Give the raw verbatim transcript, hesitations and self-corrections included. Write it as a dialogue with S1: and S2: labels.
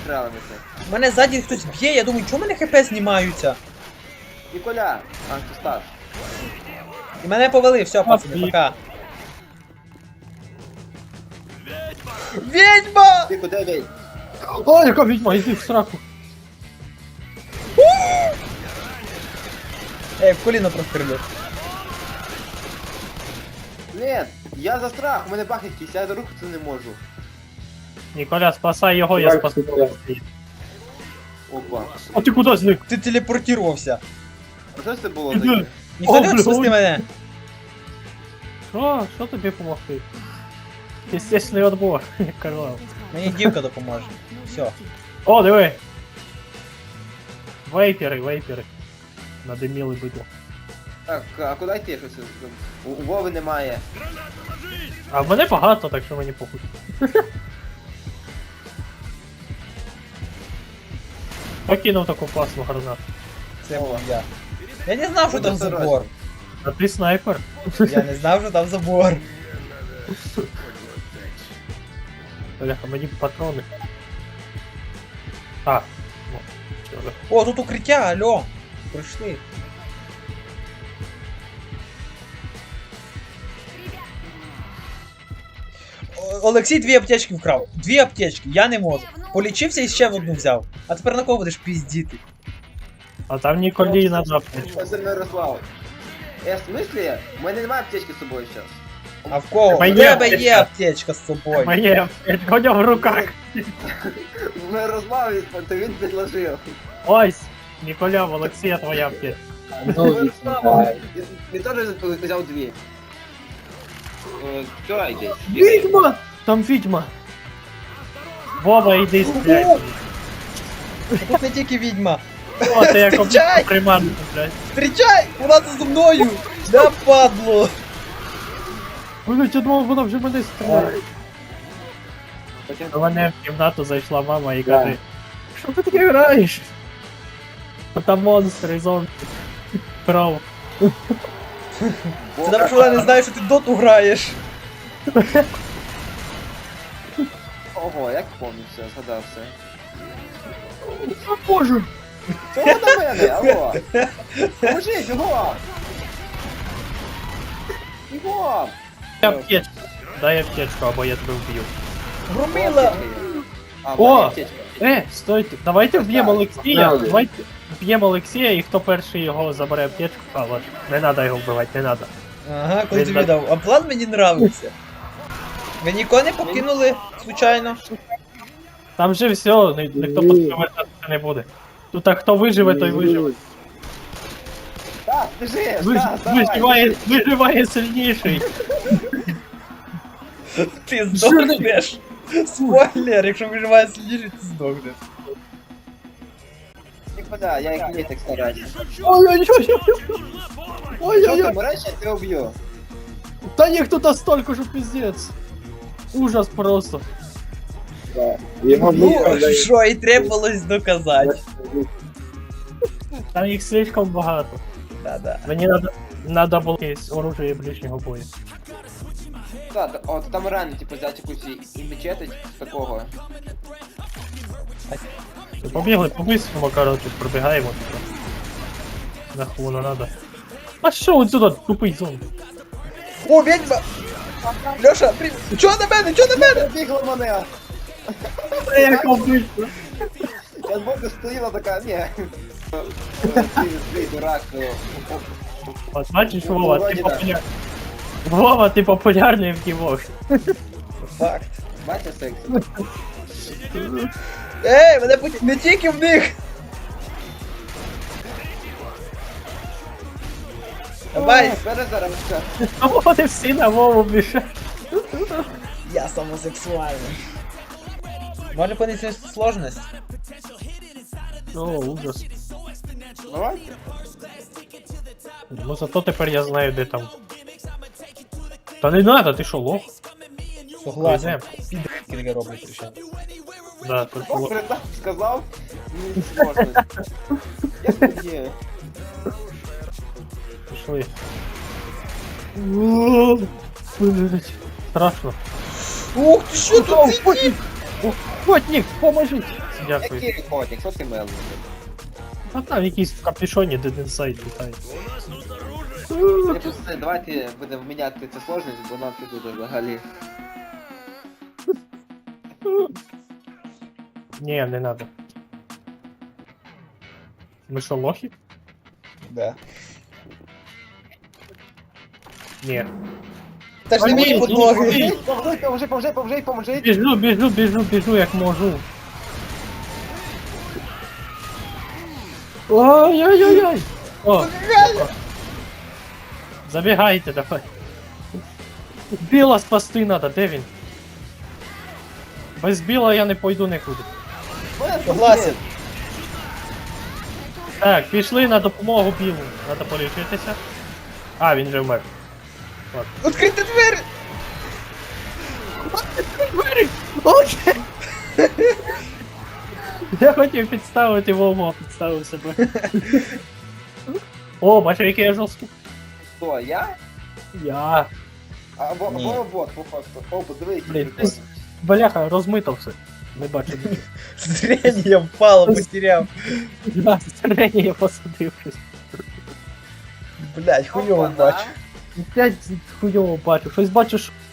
S1: стрелимося.
S2: Мене ззаді хтось б'є, я думаю, чому мене хп знімаються?
S1: Ніколя! А, ти став.
S2: І мене повели, все, пацани, пока. Відьма!
S1: Ти куди вийдь?
S3: Ой, яка відьма, йди в сраку.
S2: Ей, в коліно прострілю.
S1: Блін, я за страх, у мене баг якийсь, я рухатися не можу.
S3: Ніколя, спасай його, я спасу.
S1: Опа.
S3: А ти куди зник?
S2: Ти телепортувався.
S1: А що це було
S3: Іди.
S1: таке?
S2: Ніхто не
S3: О,
S2: хоче спасти
S3: блін.
S2: мене.
S3: Що? Що тобі помогти? Естественний отбор, як казав.
S2: Мені дівка допоможе. Все.
S3: О, диви! Вейпери, вейпери. Надиміли бидло.
S1: Так, а куди йти щось? У, у Вови немає.
S3: А в мене багато, так що мені похуй. Покинув таку класну гранату.
S2: Це був я. Я не знав, що
S1: Буде
S2: там
S1: все
S2: забор.
S3: А ти снайпер?
S2: Я не знав, що там забор.
S3: Бляха, мені патрони. А, ну, чого?
S2: О, тут укриття, алло. Прийшли. О- Олексій дві аптечки вкрав. Дві аптечки, я не можу. Полічився і ще в одну взяв. А тепер на кого будеш піздіти?
S3: А там Ніколі надо аптечку.
S1: Це Мирослав. Е, в смислі? У мене немає аптечки з собою зараз.
S2: А в кого? У
S3: Моя
S2: тебе є
S3: аптечка.
S2: аптечка з собою.
S3: Моє аптечка, у нього в руках.
S1: Мирослав, то він підложив.
S3: Ось, Ніколя, в Олексія твоя аптечка.
S1: Мирослав, він- він теж взяв дві. Е, Що йди?
S3: Відьма! Там відьма! Вова, йди стріляй.
S2: Тут не тільки відьма.
S3: О, ти як
S2: Зустрічай!
S3: приманку, блядь.
S2: Встрічай! Вона тут зі мною! Да падло!
S3: Блять, я думав, вона вже мене стріляє. До мене в кімнату зайшла мама і каже, що ти таке граєш? А там монстри, зомбі. Прав.
S2: Це тому, що вона не знає, що ти доту граєш.
S1: Ого, як помню все, згадав все.
S3: О боже!
S1: Чого до мене? Алло! Поможіть, його! Його!
S3: Дай аптечку. Дай аптечку, або я тебе вб'ю.
S2: Громила!
S1: А,
S3: О!
S1: моя аптечка.
S3: Е, стойте, давайте вб'ємо Олексія, давайте вб'ємо Олексія, і хто перший його забере аптечку, а ладно, не треба його вбивати, не треба.
S2: Ага, коли
S3: Він
S2: тобі
S3: так-
S2: дав. А план мені нравиться. Ви нікого не покинули, случайно?
S3: Там же все, ні- ніхто повертатися не буде. Тут а хто виживе, той виживе.
S1: Так, біжи,
S3: Виж-
S1: так, давай.
S3: Виживає, виживає сильніший.
S2: Ти здохнеш. Спойлер, якщо виживає сильніше, ти здохнеш.
S1: Ніколя, я як не так стараюся.
S3: Ой-ой-ой!
S1: Що ти
S3: Ой-ой-ой!
S1: мреш, я тебе вб'ю.
S3: Та їх тут настолько, що пиздец. Ужас просто.
S2: Ну, що і требувалось доказати.
S3: Там їх слишком багато.
S2: Да-да.
S3: Мені надо, надо було якесь оружие ближнього бою.
S1: Так, от там реально, типу, взяти якусь і- і мечетить з такого.
S3: Побігли по-бистрому, короче, пробігаємо. типу. Нахуй не надо. А що от сюди, тупий зомбі?
S2: О, відьма! Льоша, при... Чого на мене? Чого на мене?
S1: Бігла мене!
S3: Як обично.
S1: Я збоку стоїла така, ні. Ти, ти дурак. о, о,
S3: От бачиш,
S1: Ну,
S3: Вова, ти
S1: вроді да.
S3: популярний. Вова, ти популярний в дівок.
S2: Факт.
S1: Бачиш секс?
S2: Ей, мене путь... Не тільки в них! Давай!
S1: Перезарамка.
S3: А вони всі на Вову біжать.
S2: Я самосексуальний. Може понести сложність?
S3: О, ужас.
S1: Давай.
S3: Ну зато тепер я знаю, де там. Та не надо, ти що, лох?
S2: Согласен. Підки таке роблять ще.
S3: Да, тут
S1: О,
S3: лох.
S1: передав, сказав. Ну, сложно. Я тоді.
S3: Пішли. О, блядь. Страшно.
S2: Ух ти, що тут сидить?
S3: О, Котник, поможіть! Дякую.
S1: Який котик, що ти мелиш?
S3: А там якийсь в капюшоні Dead Inside літає.
S1: Я просто, давайте будемо міняти цю сложність, бо нам тут уже взагалі.
S3: Ні, не надо. Ми що, лохи?
S2: Да.
S3: Ні.
S2: Та ж не мої
S3: Ні,
S2: подлоги.
S3: ні, ні.
S1: Поможи, поможи, поможи, поможи, поможи.
S3: Біжу, біжу, біжу, біжу, як можу. Ой-ой-ой-ой! О, забігайте, давай. Біла спасти надо, де він? Без біла я не пойду нікуди.
S2: Согласен.
S3: Так, пішли на допомогу білу. Надо полічитися. А, він же вмер.
S2: Відкрийте двері!
S3: Я хотів підставити Вову, а підставив себе. О, бачу, який я жорсткий.
S1: Хто, я?
S3: Я.
S1: Або,
S2: Ні.
S1: або бот, по факту. О, подиви, який
S3: Блін,
S1: прикольний.
S3: Бляха, розмито все. Не бачу нічого.
S2: Зрение впало, потеряв.
S3: Да, зрення я посадив щось.
S2: Блять, хуйово
S1: Опа-на.
S2: бачу.
S3: Опять хуйово бачу. Щось бачу, що